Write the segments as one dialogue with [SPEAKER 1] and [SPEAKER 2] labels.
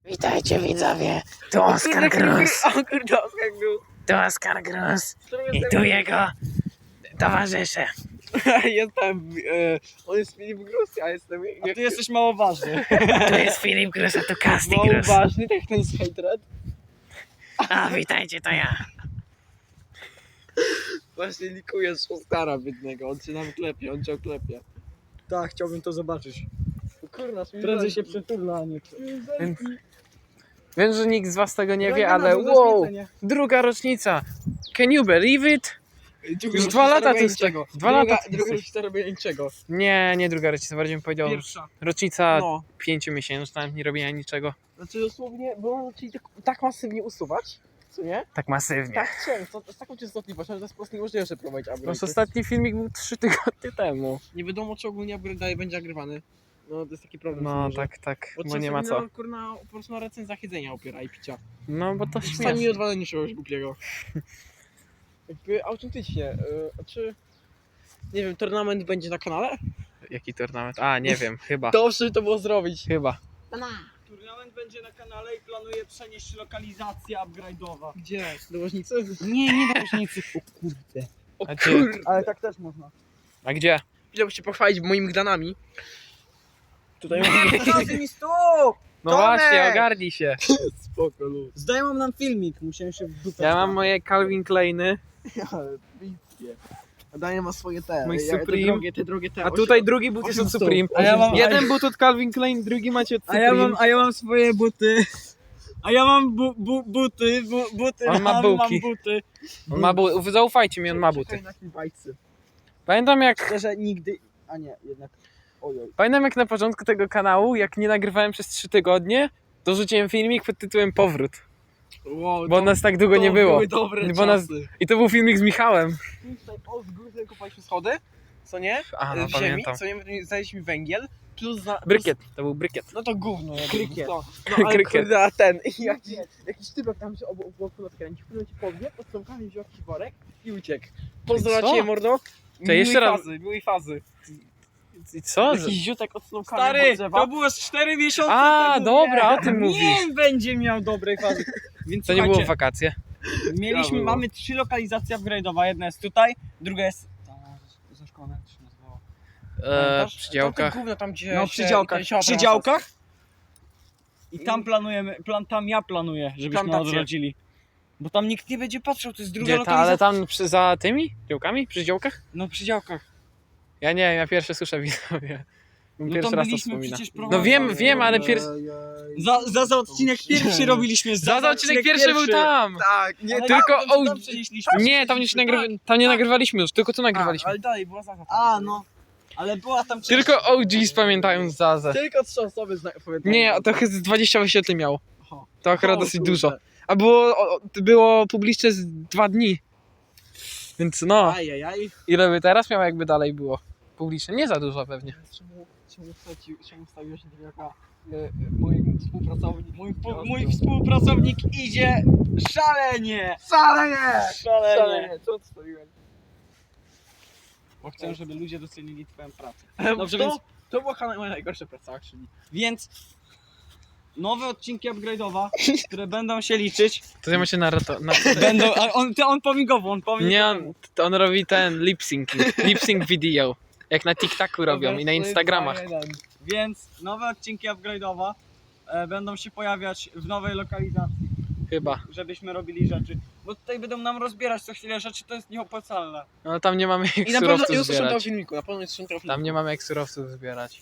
[SPEAKER 1] Witajcie widzowie, tu Oskar Gruz.
[SPEAKER 2] O kurde, Oskar Gruz.
[SPEAKER 1] Tu Oskar Gruz i tu jego towarzysze.
[SPEAKER 2] Jestem, on jest Filip Gruz, ja jestem...
[SPEAKER 3] A ty jesteś mało ważny.
[SPEAKER 1] Tu jest Filip Gruz, a tu Kasti
[SPEAKER 2] mało
[SPEAKER 1] Gruz.
[SPEAKER 2] ważny, tak jak ten z Hatred.
[SPEAKER 1] A witajcie, to ja.
[SPEAKER 2] Właśnie likujesz Oskara biednego, on cię nam klepie, on cię oklepie.
[SPEAKER 3] Tak, chciałbym to zobaczyć.
[SPEAKER 2] Kurna,
[SPEAKER 3] Prędzej się przytula, a nie...
[SPEAKER 1] Więc wiem, że nikt z was tego nie wie, ale wow, druga rocznica. Can you believe it? Już 2 lata tu
[SPEAKER 2] niczego.
[SPEAKER 1] 2 lata tu
[SPEAKER 2] Druga
[SPEAKER 1] jesteś.
[SPEAKER 2] rocznica robienia niczego.
[SPEAKER 1] Nie druga rocznica, bardziej bym powiedział
[SPEAKER 3] Pierwsza.
[SPEAKER 1] rocznica
[SPEAKER 2] No.
[SPEAKER 1] 5-miesięczna, nie robienia niczego.
[SPEAKER 2] Znaczy dosłownie, bo on zaczęli tak masywnie usuwać, co nie?
[SPEAKER 1] Tak masywnie.
[SPEAKER 2] Tak często, z taką częstotliwością, że to jest po prostu niemożliwe, że prowadzić upgrade.
[SPEAKER 1] Nasz ostatni filmik był 3 tygodnie temu.
[SPEAKER 2] Nie wiadomo, czy ogólnie upgrade dalej będzie nagrywany. No to jest taki problem.
[SPEAKER 1] No
[SPEAKER 2] że-
[SPEAKER 1] tak, bo
[SPEAKER 2] trzeba
[SPEAKER 1] nie ma
[SPEAKER 2] sobie
[SPEAKER 1] co.
[SPEAKER 2] na, kurna, po prostu na recenzjach jedzenia opiera i picia.
[SPEAKER 1] No bo to
[SPEAKER 2] Sami
[SPEAKER 1] śmieszne.
[SPEAKER 2] odwalenie czegoś głupiego. Jakby autentycznie, czy... Nie wiem, tournament będzie na kanale?
[SPEAKER 1] Jaki turnament? A, nie wiem, chyba.
[SPEAKER 2] Dobrze to było zrobić.
[SPEAKER 1] Chyba.
[SPEAKER 3] Turnament będzie na kanale i planuję przenieść lokalizację upgrade'owa.
[SPEAKER 2] Gdzie? Do Łożnicy?
[SPEAKER 3] Nie do różnicy. O kurde.
[SPEAKER 2] O
[SPEAKER 1] A
[SPEAKER 2] kurde.
[SPEAKER 3] Ale tak też można.
[SPEAKER 1] A gdzie?
[SPEAKER 2] Chciałbym się pochwalić moimi gdanami. Tutaj mam...
[SPEAKER 3] Pokazuj mi stóp!
[SPEAKER 1] No
[SPEAKER 3] Tomek!
[SPEAKER 1] właśnie, ogarnij się.
[SPEAKER 2] Spoko, luz.
[SPEAKER 3] Zdejmą nam filmik, musiałem się w dupę
[SPEAKER 1] Ja mam moje Calvin Kleiny,
[SPEAKER 2] Ale bickie. Daję ma swoje te.
[SPEAKER 1] Mój
[SPEAKER 2] te
[SPEAKER 1] Supreme.
[SPEAKER 2] drogie te.
[SPEAKER 1] a tutaj drugi but jest od
[SPEAKER 2] 800.
[SPEAKER 1] Supreme.
[SPEAKER 3] A ja mam-
[SPEAKER 1] Jeden but od Calvin Klein, drugi macie od Supreme.
[SPEAKER 3] A ja mam swoje buty. A ja mam buty.
[SPEAKER 1] On ma bułki.
[SPEAKER 3] Mam buty.
[SPEAKER 1] On ma buty. Zaufajcie mi, on ma buty.
[SPEAKER 2] Czekaj na chwilbajcy.
[SPEAKER 1] Pamiętam jak
[SPEAKER 3] Szczerze nigdy... A nie, jednak... Ojoj.
[SPEAKER 1] na początku tego kanału, jak nie nagrywałem przez 3 tygodnie, to rzuciłem filmik pod tytułem Powrót.
[SPEAKER 2] Wow,
[SPEAKER 1] Bo nas tak długo nie było.
[SPEAKER 2] Były dobre
[SPEAKER 1] Bo nas-
[SPEAKER 2] czasy.
[SPEAKER 1] I to był filmik z Michałem.
[SPEAKER 2] Tutaj z góry kupaliśmy schody, co nie?
[SPEAKER 1] A, no
[SPEAKER 2] w ziemi,
[SPEAKER 1] pamiętam.
[SPEAKER 2] co nie? Znaleźliśmy węgiel, plus...
[SPEAKER 1] Brykiet, to był brykiet.
[SPEAKER 2] No to gówno.
[SPEAKER 3] Krykiet.
[SPEAKER 2] No ale
[SPEAKER 1] Krykiet.
[SPEAKER 2] kurde, a ten, jakiś typek tam się obok nas kręcił, który ci powie, pod stąpkami wziął jakiś worek i uciekł. Pozdro
[SPEAKER 1] Co?
[SPEAKER 2] na ciebie, mordo.
[SPEAKER 1] jeszcze raz-
[SPEAKER 2] Miłej fazy.
[SPEAKER 1] I co?
[SPEAKER 2] Jakiś ziutek od stąpkami
[SPEAKER 3] Stary,
[SPEAKER 2] od drzewa.
[SPEAKER 3] to było z 4 miesiące
[SPEAKER 1] A,
[SPEAKER 3] temu.
[SPEAKER 1] dobra, o tym mówisz.
[SPEAKER 3] Nie będzie miał dobrej fazy. Więc
[SPEAKER 1] To nie było w
[SPEAKER 3] słuchajcie,
[SPEAKER 1] wakacje.
[SPEAKER 2] było.
[SPEAKER 3] mamy 3 lokalizacje upgrade'owe. Jedna jest tutaj, druga jest... Za szkołą, jak to się nazywało?
[SPEAKER 1] Przy działkach.
[SPEAKER 2] Gówno tam gdzie
[SPEAKER 3] No
[SPEAKER 2] się-
[SPEAKER 3] przy działkach.
[SPEAKER 2] ten siodło
[SPEAKER 3] Przy
[SPEAKER 2] na
[SPEAKER 3] działkach. I tam planujemy, tam ja planuję, żebyśmy
[SPEAKER 2] Plantację.
[SPEAKER 3] odrodzili. Bo tam nikt nie będzie patrzył, to jest druga
[SPEAKER 1] Gdzie ta,
[SPEAKER 3] lokalizacja.
[SPEAKER 1] ale tam za tymi działkami? Przy działkach?
[SPEAKER 3] No przy działkach.
[SPEAKER 1] Ja nie wiem, ja pierwsze słyszę widzowie.
[SPEAKER 3] No
[SPEAKER 1] Pierwszy
[SPEAKER 3] tam
[SPEAKER 1] raz to
[SPEAKER 3] byliśmy
[SPEAKER 1] wspominam.
[SPEAKER 3] przecież
[SPEAKER 1] No wiem, ale pierwszy...
[SPEAKER 3] Za odcinek pierwszy robiliśmy.
[SPEAKER 1] Za odcinek pierwszy był tam!
[SPEAKER 2] Tak, nie,
[SPEAKER 3] Ale
[SPEAKER 1] tylko
[SPEAKER 3] tam
[SPEAKER 1] OG.
[SPEAKER 3] przenieśliśmy.
[SPEAKER 1] Nie, tam nie nagrywaliśmy już, tylko tu
[SPEAKER 2] A,
[SPEAKER 1] nagrywaliśmy.
[SPEAKER 2] ale dalej była zaza.
[SPEAKER 3] A, no. Ale była tam...
[SPEAKER 1] Tylko OGs pamiętają Zazę.
[SPEAKER 2] Tylko 3 osoby pamiętają.
[SPEAKER 1] Nie, to chyba 20 wyświetleń miało.
[SPEAKER 2] Aha.
[SPEAKER 1] To akurat
[SPEAKER 2] O,
[SPEAKER 1] dosyć
[SPEAKER 2] kurde.
[SPEAKER 1] dużo. A było publiczne z 2 dni. Więc no,
[SPEAKER 2] Ajajaj.
[SPEAKER 1] ile by teraz miało, jakby dalej było publiczne? Nie za dużo pewnie.
[SPEAKER 2] Czemu stawiłeś się taka mój współpracownik?
[SPEAKER 3] Mój współpracownik idzie szalenie!
[SPEAKER 2] Szalenie! Co odstawiłem?
[SPEAKER 3] Bo chcę, żeby ludzie docenili twoją pracę.
[SPEAKER 2] Dobrze,
[SPEAKER 3] Dobrze,
[SPEAKER 2] więc...
[SPEAKER 3] więc-
[SPEAKER 2] To była chyba moja najgorsza praca, czyli...
[SPEAKER 3] Więc nowe odcinki upgrade'owe, które będą się liczyć,
[SPEAKER 1] To ja się na
[SPEAKER 3] będą... A on pomigowo,
[SPEAKER 1] Nie, on robi ten lip sync video. Jak na TikToku robią i na Instagramach.
[SPEAKER 3] Więc nowe odcinki upgrade'owe będą się pojawiać w nowej lokalizacji,
[SPEAKER 1] Chyba.
[SPEAKER 3] żebyśmy robili rzeczy. Bo tutaj będą nam rozbierać co chwilę rzeczy, to jest nieopłacalne.
[SPEAKER 1] No tam nie mamy jak
[SPEAKER 2] I na pewno
[SPEAKER 1] surowców
[SPEAKER 2] usłyszą to w
[SPEAKER 1] zbierać.
[SPEAKER 2] filmiku, na pewno usłyszą to w filmiku.
[SPEAKER 1] Tam nie mamy jak surowców zbierać.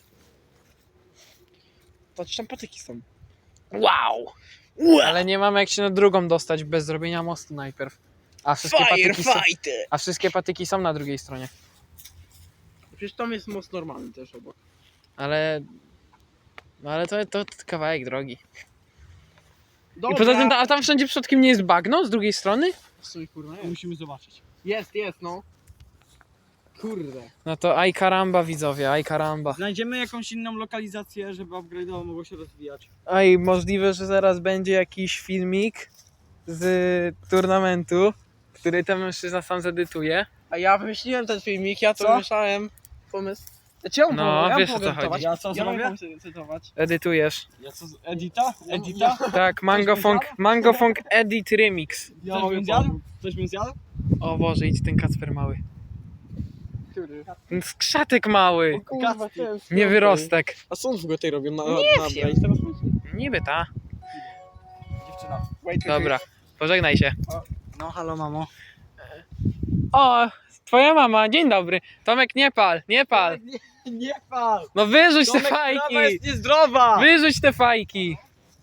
[SPEAKER 2] Patrz, tam patyki są.
[SPEAKER 1] Wow! Ale nie mamy jak się na drugą dostać bez zrobienia mostu najpierw. A wszystkie patyki są na drugiej stronie.
[SPEAKER 2] Przecież tam jest most normalny też obok.
[SPEAKER 1] Ale to kawałek drogi.
[SPEAKER 2] Dobra.
[SPEAKER 1] I poza tym, a tam wszędzie przypadkiem nie jest bagno z drugiej strony?
[SPEAKER 2] W sumie, kurwa, jest.
[SPEAKER 3] Musimy zobaczyć.
[SPEAKER 2] Jest, no. Kurde.
[SPEAKER 1] No to aj karamba widzowie, aj karamba.
[SPEAKER 3] Znajdziemy jakąś inną lokalizację, żeby upgrade'owo mogło się rozwijać.
[SPEAKER 1] Aj, możliwe, że zaraz będzie jakiś filmik z turnamentu, który ten mężczyzna sam zedytuje.
[SPEAKER 2] A ja wymyśliłem ten filmik, ja to
[SPEAKER 3] Co?
[SPEAKER 2] wymyślałem pomysł. Czemu?
[SPEAKER 1] No,
[SPEAKER 2] ja
[SPEAKER 1] wiesz,
[SPEAKER 2] mogę
[SPEAKER 1] o co
[SPEAKER 2] cytować.
[SPEAKER 1] chodzi.
[SPEAKER 3] Ja co
[SPEAKER 2] Ja
[SPEAKER 3] zrobię?
[SPEAKER 2] mogę cytować.
[SPEAKER 1] Edytujesz.
[SPEAKER 3] Ja co, Edita? Edita?
[SPEAKER 1] Tak, Mango Funk Edit Remix.
[SPEAKER 2] Ja
[SPEAKER 3] Coś
[SPEAKER 2] mogę
[SPEAKER 3] bym zjadł?
[SPEAKER 2] pomóc.
[SPEAKER 3] Coś bym zjadł?
[SPEAKER 1] O Boże, idź ten Kacper mały.
[SPEAKER 2] Który?
[SPEAKER 1] Ten skrzatek mały.
[SPEAKER 2] O kurwa,
[SPEAKER 3] Kacpi.
[SPEAKER 2] ten
[SPEAKER 1] Nie wyrostek.
[SPEAKER 2] A co on w ogóle tutaj robią na
[SPEAKER 1] wiem.
[SPEAKER 2] Braille? Teraz myślę.
[SPEAKER 1] Niby ta.
[SPEAKER 3] Dziewczyna.
[SPEAKER 1] Dobra, pożegnaj się.
[SPEAKER 3] No halo mamo.
[SPEAKER 1] O, twoja mama, dzień dobry. Tomek, nie pal, nie pal.
[SPEAKER 3] Nie pal!
[SPEAKER 1] No wyrzuć te
[SPEAKER 3] Tomek, trawa
[SPEAKER 1] fajki.
[SPEAKER 3] jest niezdrowa!
[SPEAKER 1] Wyrzuć te fajki.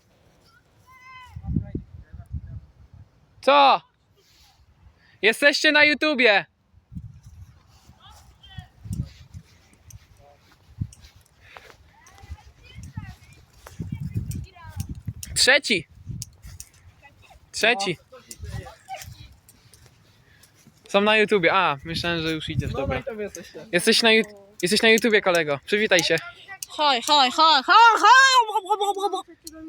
[SPEAKER 1] Co? Jesteście na YouTubie. Trzeci. Są na YouTubie. A, myślałem, że już idziesz. Dobra.
[SPEAKER 2] Dobra, to wy jesteście.
[SPEAKER 1] Jesteś na YouTubie, kolego. Przywitaj się.
[SPEAKER 4] Hoj, hoj, hoj, hoj, hoj!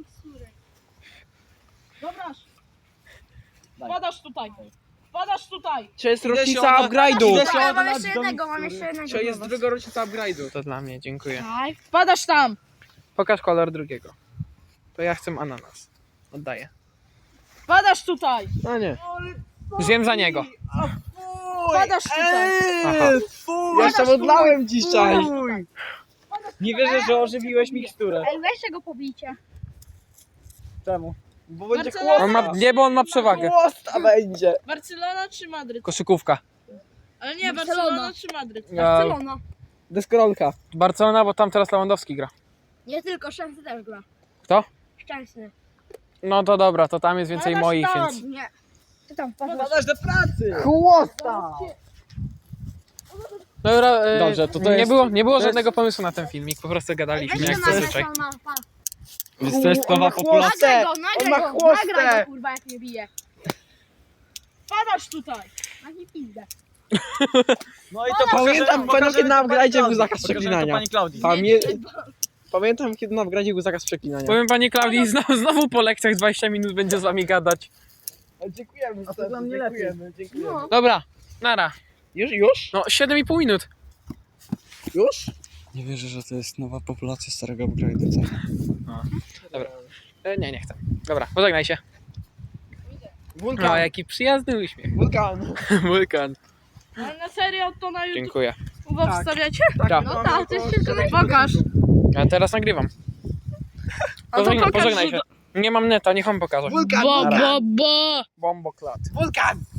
[SPEAKER 4] Dobra. Wpadasz tutaj. Wpadasz tutaj.
[SPEAKER 2] Czy jest
[SPEAKER 3] Idę się
[SPEAKER 2] rocznica
[SPEAKER 3] od-
[SPEAKER 2] upgrade'u?
[SPEAKER 3] Idę się
[SPEAKER 4] mam
[SPEAKER 3] oddać
[SPEAKER 4] jeszcze
[SPEAKER 3] do
[SPEAKER 4] jednego, mam
[SPEAKER 3] mikstury.
[SPEAKER 4] jeszcze jednego.
[SPEAKER 2] Czy jest druga rocznica upgrade'u?
[SPEAKER 1] To dla mnie, dziękuję.
[SPEAKER 4] Daj. Wpadasz tam.
[SPEAKER 1] Pokaż kolor drugiego. To ja chcę ananas. Oddaję.
[SPEAKER 4] Wpadasz tutaj.
[SPEAKER 2] No nie.
[SPEAKER 1] Zjem za niego.
[SPEAKER 4] Wpadasz tutaj.
[SPEAKER 1] Aha.
[SPEAKER 2] Ja jeszcze modlałem dzisiaj.
[SPEAKER 3] Nie wierzę, że ożywiłeś miksturę.
[SPEAKER 4] Ej, weźcie go pobijcie.
[SPEAKER 3] Czemu?
[SPEAKER 2] Bo będzie
[SPEAKER 4] Marcela-
[SPEAKER 2] chłosta.
[SPEAKER 1] On ma, nie, bo on ma przewagę.
[SPEAKER 2] Chłosta będzie.
[SPEAKER 4] Barcelona czy Madryt?
[SPEAKER 1] Koszykówka.
[SPEAKER 4] Ale nie,
[SPEAKER 5] Barcelona.
[SPEAKER 4] Barcelona czy Madryt?
[SPEAKER 5] Barcelona.
[SPEAKER 2] Deskorolka.
[SPEAKER 1] Barcelona, bo tam teraz Lewandowski gra.
[SPEAKER 5] Nie tylko Szczęsny też gra.
[SPEAKER 1] Kto?
[SPEAKER 5] Szczęsny.
[SPEAKER 1] No to dobra, to tam jest więcej
[SPEAKER 4] Wpadasz
[SPEAKER 1] moich,
[SPEAKER 4] tam.
[SPEAKER 1] więc...
[SPEAKER 5] Nie. Ty tam wpadasz.
[SPEAKER 3] Wpadasz do pracy!
[SPEAKER 2] Chłosta.
[SPEAKER 1] Dobra,
[SPEAKER 2] Dobrze, to
[SPEAKER 1] nie
[SPEAKER 2] jest-
[SPEAKER 1] było
[SPEAKER 2] jest-
[SPEAKER 1] żadnego pomysłu na ten filmik, po prostu gadaliśmy jak zazwyczaj.
[SPEAKER 3] To jest nowa populacja.
[SPEAKER 5] Nagraj go,
[SPEAKER 2] On
[SPEAKER 5] nagraj
[SPEAKER 2] ma
[SPEAKER 5] go,
[SPEAKER 2] chłostę.
[SPEAKER 5] nagraj go, kurwa, jak mnie bije.
[SPEAKER 4] Wpadasz tutaj.
[SPEAKER 5] Na nie pizdę.
[SPEAKER 3] No i to
[SPEAKER 2] Pamiętam, kiedy na upgrade'zie był zakaz przeklinania.
[SPEAKER 3] Pani Klaudii.
[SPEAKER 2] Pamiętam, kiedy na upgrade'zie był zakaz przeklinania.
[SPEAKER 1] Powiem pani Klaudii, znowu po lekcjach 20 minut będzie z wami gadać.
[SPEAKER 2] Dziękujemy.
[SPEAKER 3] A to dla mnie lepiej.
[SPEAKER 2] Dziękujemy.
[SPEAKER 5] No.
[SPEAKER 1] Dobra, nara.
[SPEAKER 2] Już?
[SPEAKER 1] No 7,5 minut.
[SPEAKER 2] Już?
[SPEAKER 3] Nie wierzę, że to jest nowa populacja starego upgrade'u.
[SPEAKER 1] Nie chcę. Dobra, pożegnaj się. O,
[SPEAKER 2] Wulkan.
[SPEAKER 1] jaki przyjazny uśmiech.
[SPEAKER 2] Wulkan.
[SPEAKER 1] Wulkan.
[SPEAKER 4] Ale na serio to na YouTube
[SPEAKER 1] Dziękuję.
[SPEAKER 4] wstawiacie?
[SPEAKER 1] Tak.
[SPEAKER 5] No tak, to jest wszystko na
[SPEAKER 4] Pokaż.
[SPEAKER 1] Ja teraz nagrywam.
[SPEAKER 4] A to pokaż,
[SPEAKER 1] Pożegnaj
[SPEAKER 4] że
[SPEAKER 1] się. Nie mam neta, niech on pokaże.
[SPEAKER 2] Wulkan.
[SPEAKER 4] Bo.
[SPEAKER 1] Bomboklat.
[SPEAKER 2] Wulkan.